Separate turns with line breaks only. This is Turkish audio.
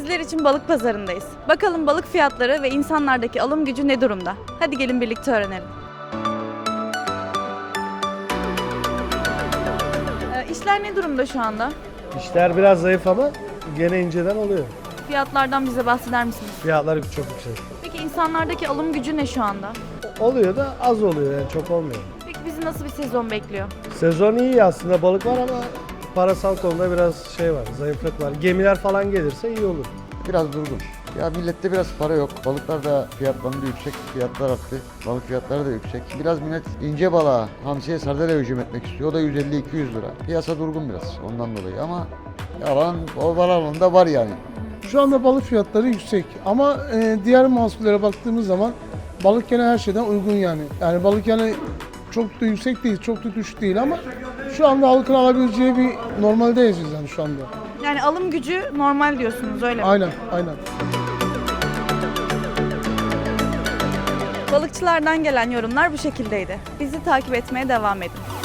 sizler için balık pazarındayız. Bakalım balık fiyatları ve insanlardaki alım gücü ne durumda? Hadi gelin birlikte öğrenelim. İşler ne durumda şu anda?
İşler biraz zayıf ama gene inceden oluyor.
Fiyatlardan bize bahseder misiniz?
Fiyatlar çok yüksek.
Peki insanlardaki alım gücü ne şu anda?
Oluyor da az oluyor yani çok olmuyor.
Peki bizi nasıl bir sezon bekliyor?
Sezon iyi aslında balık var ama parasal konuda biraz şey var, zayıflık var. Gemiler falan gelirse iyi olur.
Biraz durgun. Ya millette biraz para yok. Balıklar da fiyatlandı yüksek. Fiyatlar arttı. Balık fiyatları da yüksek. Biraz millet ince balığa, hamsiye, sardalya hücum etmek istiyor. O da 150-200 lira. Piyasa durgun biraz ondan dolayı ama yalan o alanında var yani.
Şu anda balık fiyatları yüksek ama diğer mahsullere baktığımız zaman balık gene her şeyden uygun yani. Yani balık yani çok da yüksek değil, çok da düşük değil ama şu anda halkın alabileceği bir normaldeyiz yani şu anda.
Yani alım gücü normal diyorsunuz öyle mi?
Aynen, aynen.
Balıkçılardan gelen yorumlar bu şekildeydi. Bizi takip etmeye devam edin.